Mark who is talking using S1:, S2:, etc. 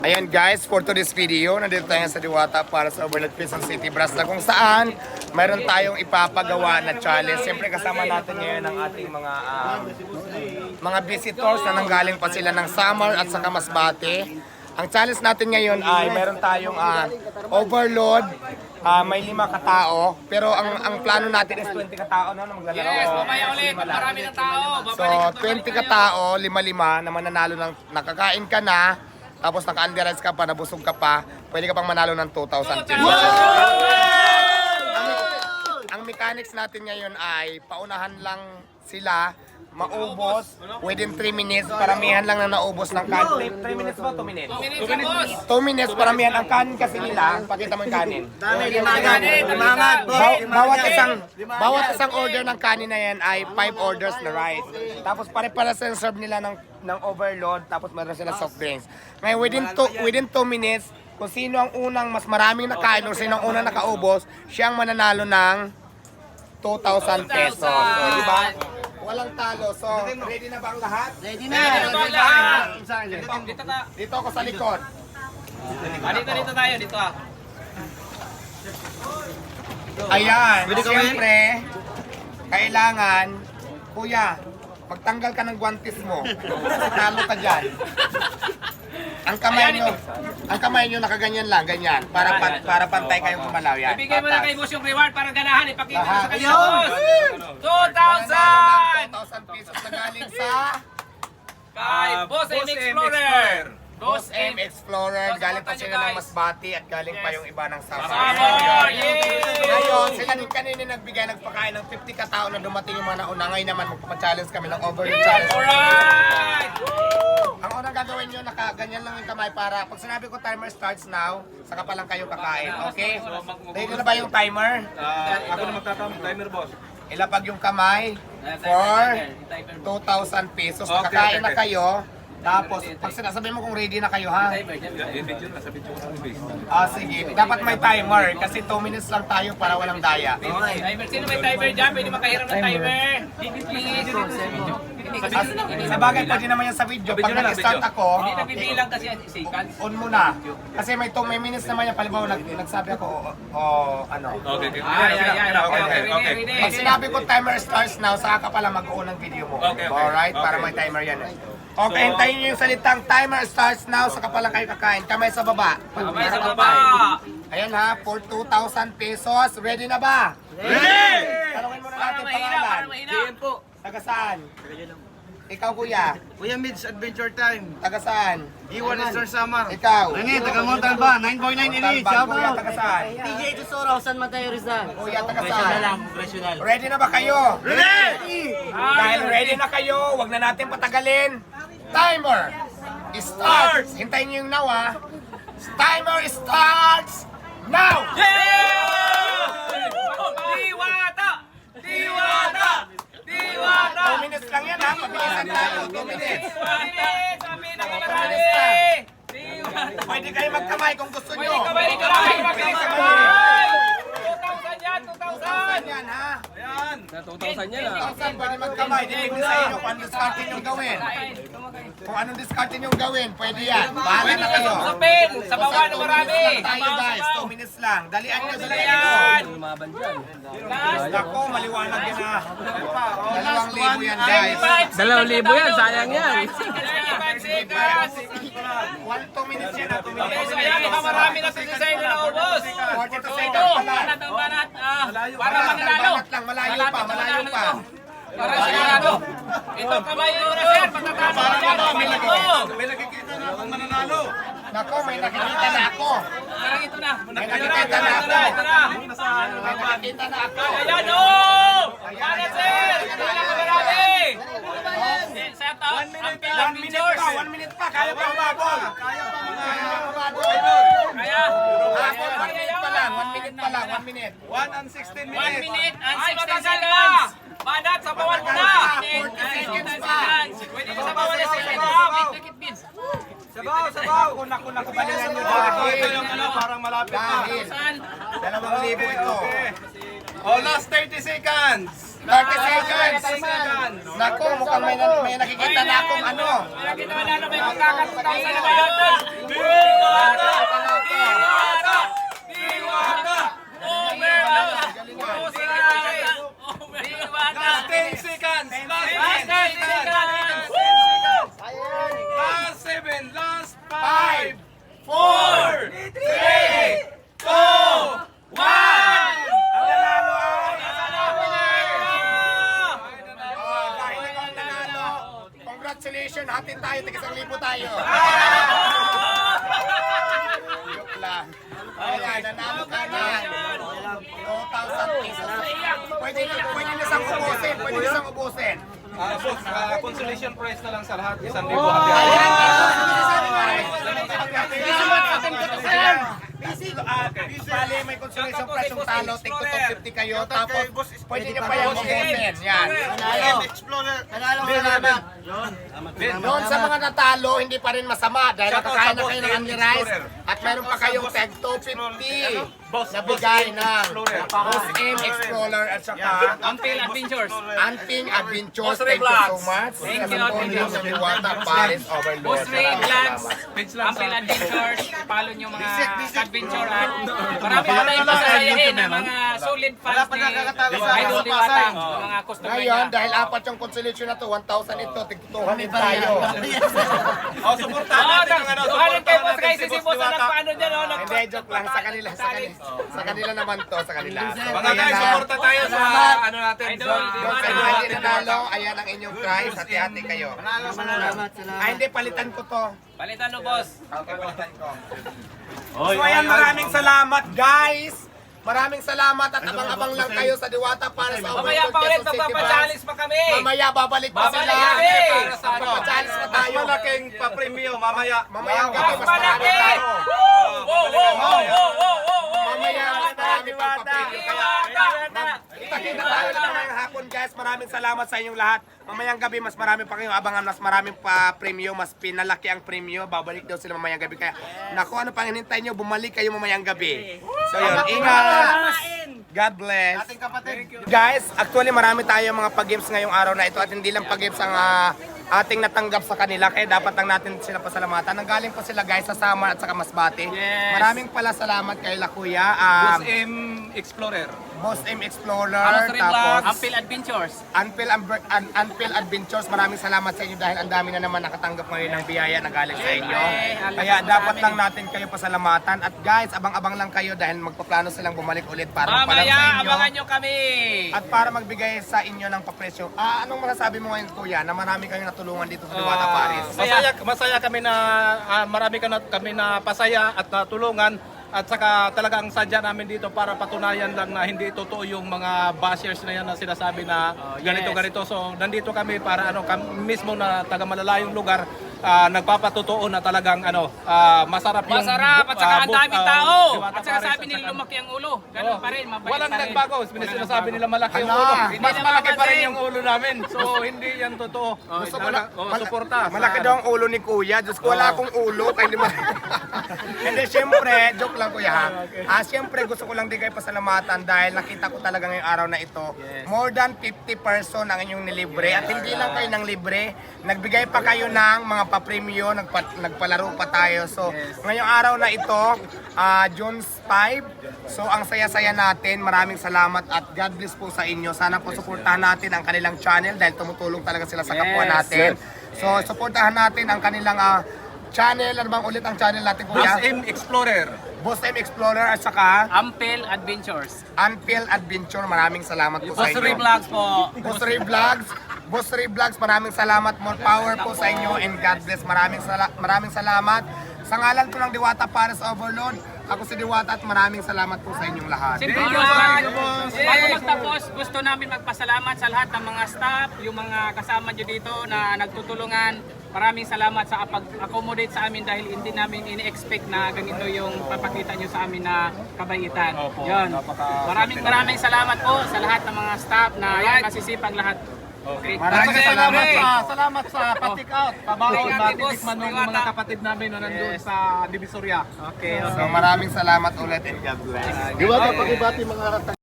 S1: Ayan guys, for today's video, nandito tayo sa Diwata para sa Overload Quezon City Brass na kung saan mayroon tayong ipapagawa na challenge. Siyempre kasama natin ngayon ang ating mga visitors na nanggaling pa sila ng Samar at saka Masbate. Ang challenge natin ngayon ay mayroon tayong overload, may 5 katao, pero ang plano natin is 20 katao na maglalaro.
S2: Yes, mamaya ulit, marami ng tao.
S1: So 20 katao, 5-5 na mananalo ng nakakain ka na. Tapos naka-underize ka pa, nabusog ka pa, pwede ka pang manalo ng 2,000 pesos. Ang mechanics natin ngayon ay paunahan lang sila, maubos within 3 minutes, paramihan lang na naubos ng kanin. 3 minutes ba? 2 minutes? 2 minutes, paramihan ang kanin kasi nila. Pakita mo yung kanin. Bawat isang order ng kanin na yan ay 5 orders na rice. Tapos pare-para sa serve nila ng overload, tapos meron sila soft drinks. Ngayon, within 2 minutes, kung sino ang unang mas maraming nakain o sino ang unang nakaubos, siyang mananalo ng 2,000 pesos. So, di ba? Walang talo. So, ready na ba ang lahat?
S2: Ready na lahat.
S1: Dito ako sa likod.
S2: Dito tayo, dito ah.
S1: Ayan, siyempre, kailangan, kuya, magtanggal ka ng guantes mo. Talo ka dyan. Ang kamay nyo nakaganyan lang, ganyan. Para pantay kayong kumalaw yan.
S2: Ibigay mo na kay boss yung reward para ganahan. Ipakita mo sa kanya,
S1: Ayun!
S2: boss.
S1: 2,000 pesos na galing sa
S2: Kay Boss M Explorer.
S1: Boss M Explorer. Galing pa sila ng Masbate at galing pa yung iba ng Samar.
S2: Samar! Yay!
S1: Ngayon, sila din kanina nagpakain ng 50 katao na dumating yung mga nauna. Ngayon naman magpapa-challenge kami ng overload challenge.
S2: Alright!
S1: Ang unang gagawin nyo, nakaganyan lang yung kamay para pag sinabi ko timer starts now, saka pa lang kayo kakain, okay? Ready na ba yung timer?
S3: Ako na magtatamang timer, boss.
S1: Ilapag yung kamay for 2,000 pesos. Kakain na kayo. Tapos, pag sinasabi mo kung ready na kayo, ha?
S3: Video na, sa video ko ng base.
S1: Sige. Dapat may timer kasi 2 minutes lang tayo para walang daya.
S2: Timer, sino may timer dyan? Pwede makahiram ng timer.
S1: Sa bagay, pwede naman yan sa video. Pag nag-start ako,
S2: Hindi nagbibilang kasi yan, seconds.
S1: on muna. Kasi may 2 minutes naman yan. Palibaw, nagsabi ako, ano.
S3: Okay.
S2: Okay.
S1: Pag sinabi ko timer starts now, saka ka pala mag-on ng video mo.
S3: Okay.
S1: Alright? Para may timer yan eh. Okay, hintayin nyo yung salitang timer starts now, saka pala kayo kakain. Kamay sa baba.
S2: Kamay sa baba.
S1: Ayan ha, for 2,000 pesos. Ready na ba?
S3: Ready!
S1: Tanungin muna
S2: Para
S1: natin
S2: mahina,
S1: pangalan.
S2: para mahina.
S1: Taga saan? Ikaw kuya.
S4: Kuya Mids, Adventure Time.
S1: Taga saan?
S4: Iwan Eastern Samar.
S1: Ikaw.
S4: Rene, taga Montalban. 9.9 Elite.
S1: Talban, kuya, taga saan?
S5: DJ Tesoro, San Mateo Rizal.
S1: Kuya, taga saan?
S5: Professional.
S1: Ready na ba kayo?
S4: Ready!
S1: Dahil ready na kayo, wag na natin patagalin. Timer starts. Hintayin niyo yung now ha. Timer starts now.
S2: Diwata!
S1: 2 minutes lang yan ha. Pabilisan tayo. 2 minutes. Pwede kayo magkamay kung gusto nyo.
S2: Kamay, mabilis
S1: Kamay.
S2: kamay! 2,000 yan,
S1: 2,000 yan ha.
S2: 2,000 yan
S1: 2,000 pwede magkamay. Depende sa inyo kung anong discardin yung gawin. Kung anong discardin yung gawin, pwede yan. Bahala na kayo.
S2: Sa pen, sa baba na marami.
S1: Tayo guys, 2 minutes lang. Dalian nyo sa
S2: Yan!
S1: Ako, maliwanag yan ha. 2,000 yan guys.
S2: 2,000 yan, sayang yan.
S1: 2 minutes yan ha. 2 minutes.
S2: So yan, marami na sa design na naubos.
S1: 42 seconds pa lang.
S2: Para mananalo.
S1: Banat lang, malayo pa, malayo pa.
S2: Para sigurado. Ito kamay yung oras yan, patatama na yan.
S3: May nakikita na akong mananalo.
S1: Nako, may nakikita na ako.
S2: Parang ito na.
S1: May nakikita na ako.
S2: Ito na.
S1: May nakikita na ako.
S2: Ayan o! Para sir! Ito na kamarami! Set up ang
S1: 1 minute pa, 1 minute pa. Kaya pa umabol. Kaya pa umabol.
S2: Kaya,
S1: Habol, 1 minute pa lang, 1 minute pa lang, 1 minute.
S3: 1 and 16
S2: 1
S3: minutes.
S2: minute and 16 seconds! Banat, sabawan mo na!
S1: 40 seconds pa.
S2: Pwede mo sabawan na sila ito. Make it beans.
S1: Sabaw. Naku, balingan nyo dahil.
S3: Parang malapit na.
S1: Dahil.
S2: Saan?
S1: 2,000 ito.
S3: Oh, last 30 seconds.
S1: 30 seconds. Naku, mukhang may nakikita na akong ano.
S2: Nakita mo na may magkakatutang sa labanan. Diwata! Diwata! Diwata! Overload! Diwata!
S3: 10 seconds!
S2: Last 10 seconds!
S3: Last 7! Last
S1: 5,
S2: 4, 3, 2, 1!
S1: Ang nanalo ay congratulations, hatin tayo, tig-1,000 tayo. Joke lang. Ayan, nanalo ka na. 2,000 pesos. Pwede na siyang ubusin, pwede na siyang ubusin.
S3: Boss, consolation prize na lang sa lahat. 1,000
S1: Bale, may consolation prize yung talo, tig 250 kayo, tapos pwede niyo pa yung ubusin. Yan.
S5: Nanalo salamat.
S1: Doon sa mga natalo, hindi pa rin masama dahil nakakain na kayo ng Only Rice at meron pa kayong tag 250 na bigay ng Boss M Explorer at saka
S2: Ampil Adventures.
S1: Anting Adventures. Thank you so much.
S2: Thank you,
S1: Sa ng Diwata Paris Overload.
S2: Boss Ray Vlogs,
S3: Page lang
S2: Ampil
S3: sa-
S2: Adventures, follow nyo mga adventure at marami pa tayong masasayahin ng mga solid fans ni Idol Diwata, yung mga customer
S1: Ngayon,
S2: niya.
S1: dahil apat yung consolation na to, 1,000 ito, tig-200 tayo.
S3: Oh, supportahan natin ang ano.
S2: Duhanan kayo boss guys,
S3: si
S2: si boss na nagpaano dyan, oh,
S1: Hindi, joke lang. Sa kanila naman to, sa kanila.
S3: Mga guys, suporta tayo sa ano natin.
S2: Idol
S3: sa-
S1: Doon
S2: Diwata.
S1: sa mga tinanalo, ayan ang inyong prize. Hati-hati kayo.
S5: Salamat.
S1: Ay, hindi, palitan ko to.
S2: Palitan mo boss.
S1: Okay, palitan ko. So ayan, maraming salamat guys! Maraming salamat at abang-abang lang kayo sa Diwata para sa
S2: Mamaya pa ulit, magpapachallenge pa kami.
S1: Mamaya babalik pa sila.
S2: Babalik kami.
S3: Para sa ano,
S1: Magpapachallenge pa tayo.
S3: mas malaking pa-premyo mamaya.
S1: Mamayang gabi,
S2: Mas
S1: mas marami
S2: malaki!
S1: tayo.
S2: Wow!
S1: Mamaya, mas marami pang papilyo. Kaya,
S2: Diwata!
S1: kita-kita tayo lang ngayong hapon guys. Maraming salamat sa inyong lahat. Mamayang gabi, mas marami pa kayong abangan. Mas maraming pa premyo. Mas pinalaki ang premyo. Babalik daw sila mamayang gabi. Kaya, naku, ano pang hinintay nyo? Bumalik kayo mamayang gabi. So yun, ingat. God bless. Guys, actually marami tayo mga pag-games ngayong araw na ito at hindi lang pag-games ang ating natanggap sa kanila kaya dapat lang natin sila pasalamatan. Nanggaling po sila guys sa Samar at saka Masbate.
S2: Yes.
S1: Maraming pala salamat kay La Kuya,
S3: Boss M Explorer.
S1: Boss M Explorer,
S2: Amos Ray Vlogs,
S1: tapos
S2: Ampil Adventures.
S1: Unpil Adventures. Maraming salamat sa inyo dahil ang dami na naman nakatanggap ngayon ng biyaya na galing sa inyo.
S2: Siyempre,
S1: Kaya
S2: alam mo
S1: dapat
S2: sa amin.
S1: lang natin kayo pasalamatan at guys, abang-abang lang kayo dahil magpaplano silang bumalik ulit para magpalam sa
S2: Mamaya,
S1: inyo.
S2: abangan nyo kami.
S1: At para magbigay sa inyo ng papresyo. Anong masasabi mo ngayon kuya na marami kayong natulungan dito sa Diwata Paris?
S6: Masaya kami na marami kami na pasaya at natulungan at saka talagang sadya namin dito para patunayan lang na hindi totoo yung mga bashers na yan na sinasabi na ganito. So nandito kami para kami mismo na taga malalayong lugar nagpapatotoo na talagang masarap yung
S2: Masarap at saka ang
S6: book,
S2: daming tao.
S6: Diwata
S2: At saka
S6: Paris,
S2: sabi nila lumaki ang ulo. Ganun pa rin, mabait
S6: walang
S2: pa rin.
S6: nagbago. Sinasabi nila malaki yung
S1: Ala.
S6: ulo.
S1: Hindi
S6: Mas
S2: na
S6: malaki pa rin
S2: mapapansin.
S6: yung ulo namin. So hindi yan totoo.
S1: Gusto ko na,
S6: Suporta.
S1: malaki daw ang ulo ni kuya. Diyos ko, wala akong ulo. Kaya hindi mo... Hindi, syempre, joke lang kuya ha. Syempre, gusto ko lang din kayo pasalamatan dahil nakita ko talaga ngayong araw na ito. More than 50 person ang inyong nilibre. At hindi lang kayo ng libre. Nagbigay pa kayo ng mga papremyo, nagpalaro pa tayo. So, ngayong araw na ito, June 5. So, ang saya-saya natin. Maraming salamat at God bless po sa inyo. Sana po suportahan natin ang kanilang channel dahil tumutulong talaga sila sa kapwa natin. So, suportahan natin ang kanilang channel. Ano bang ulit ang channel natin,
S3: Boss
S1: kuya?
S3: M Explorer.
S1: Boss M Explorer at saka
S2: Ampil Adventures.
S1: Unpil Adventure. Maraming salamat po sa
S2: Boss
S1: inyo.
S2: Ray Vlogs po.
S1: Boss Ray Vlogs. Boss Ray Vlogs, maraming salamat. More power po sa inyo and God bless. Maraming salamat. Sa ngalan ko ng Diwata Paris Overload, ako si Diwata at maraming salamat po sa inyong lahat.
S2: Siyempre yun, bago magtapos, gusto namin magpasalamat sa lahat ng mga staff, yung mga kasama nyo dito na nagtutulungan. Maraming salamat sa pag-accommodate sa amin dahil hindi namin ini-expect na ganito yung papakita nyo sa amin na kabaitan. Yun. Maraming salamat po sa lahat ng mga staff na yan, nasisipag lahat. Okay.
S1: Maraming salamat.
S6: Salamat sa patik out. Pabaon
S2: Thank you,
S6: na
S2: boss.
S6: titikman ng
S2: Diwata.
S6: mga kapatid namin na nandun sa Divisoria.
S2: Okay.
S1: So maraming salamat ulit and God bless.